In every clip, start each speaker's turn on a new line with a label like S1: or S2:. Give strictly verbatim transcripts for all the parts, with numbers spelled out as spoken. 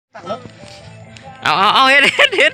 S1: เอาเอาเอาเฮ็ดเฮ็ดเฮ็ด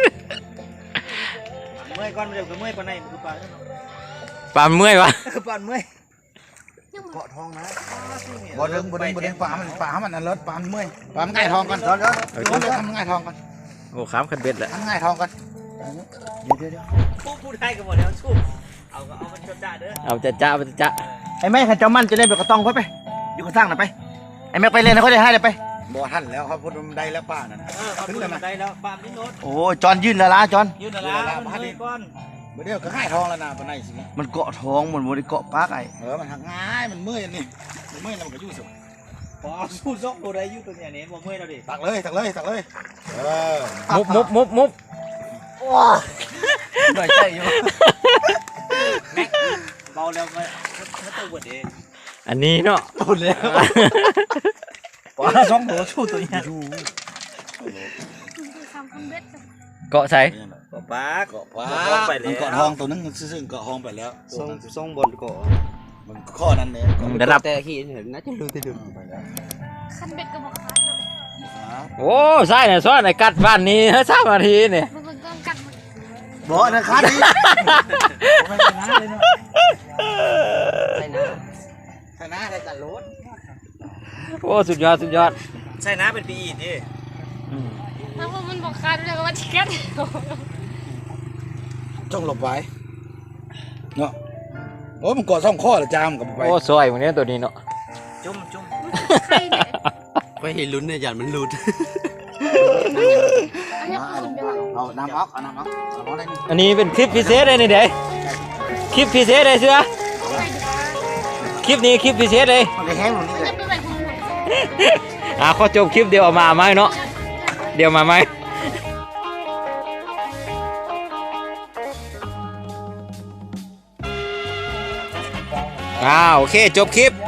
S2: เมื่อยก่อนเดี๋ยวก็เมื่อยปานไหนมันคือปลา
S1: ปานเมื่อยวะ
S2: ปานเมื่อยเกาะทองนะ
S3: บ่ดึงบ่ดึงบ่ดึงปลามันปลามันอันเลิศปลามันเมื่อยปลามันง่ายทองก่อนเดี๋ยวเดี๋ยวเดี๋ยวทำง่ายทองก่อน
S1: โอ้ขามขันเบ็ดแหละ
S3: ทำง่ายทองก่อนเดี๋ยวเดี๋ยวเดี๋ยว
S2: ผู้พูดได้กันหมดแล้วสู้เอาก็เอามันจดจ่าเด้อ
S1: เอาจะจ้าจะจ้า
S2: ไอ้แม่ขันเจ้ามันจะเล่นแบบกระตองค่อยไปอยู่กระสร้างน่ะไปไอ้แม่ไปเล่นนะค่อยได้ให้เลยไป
S3: บ่ทันแล้วเขาพูดมันได้แล้วป้านั่น
S2: เออเขาพูดมันได้แล้วปามนี่โน้ต
S3: โอ้จอนยื่นแล้วล่ะจอน
S2: ยืนน่ะละมันเมื่อยก่อน
S3: บ่เดี๋ยวก็ง่ายทองแล้วนะปานไหนสิ
S2: มันเกาะท้องมันบ่ได้เกาะปากไอ้
S3: เออมันหักง่ายมันเมื่อยนี่มันเมื่อยแล้วมันก็อยู่สิ
S2: พอเอาสู้ซอกตัวใดอยู่ตัวเนี้ยเนี่ยบ่เมื่อยแล้วดิ
S3: ตักเลยตักเลยตักเลยเออ
S1: มุบมุบมุบมุบ
S2: หน่อยใจอยู่แม็กเบาแล้วมันมันตัวบดเอง
S1: อันนี้เนาะ
S2: ตุนแล้วปลาสองตัวสู้ตัวเนี้ย
S4: ทำคนเบ็ด
S1: เกาะใส่
S2: ก็ปลา
S3: เกาะปลา
S2: เกาะไปแล้ว
S3: มันเกาะทองตัวนึงซึ่งเกาะทองไปแล้ว
S2: ทรงทรงบนเกาะ
S3: มันข้อนั้นเนี่ย
S1: ระดับ
S2: แต่ขี้เห็นน่าจะรู้ที่ดึง
S3: ไปแล้ว
S4: คันเบ็ดก็บอกคันเนาะ
S1: โอ้ใส่เนี่ยซ้อนไอ้กัดบ้านนี้สามนาทีเนี่ย
S4: มันเป็นกองกัดมัน
S2: บ่นะครับนี่ไม่ชนะเลยเนาะใช่นะ
S3: ชนะได้แต่รถ
S1: โอ้สุดยอดสุดยอด
S2: ใช่นะเป็นปีอีดดิ
S1: อืม
S4: แล้วมันบอกคันเลยว่าชิคเก้น
S3: จ้องหลบไว้เนาะโอ้มันเกาะซ่องข้อละจามกับไป
S1: โอ้สวยวันนี้ตัวนี้เนาะ
S2: จุ่มจุ่ม
S4: ใครเนี่ย
S5: ไปเห็นลุ้นเนี่ยยันมันหลุด
S4: อันนี้คุณเดียว
S3: เอาน้ำออกเอาน้ำออกเอาน้ำได้นี่
S1: อันนี้เป็นคลิปพิเศษเลยนี่เด้คลิปพิเศษเลยเสือคลิปนี้คลิปพิเศษเลย
S2: มันได้แห้งตรงนี้เลย
S4: จะไปแบบคุณ
S1: อ่าขอจบคลิปเดียวเอามาไหมเนาะเดี๋ยวมาไหมอ่าโอเคจบคลิป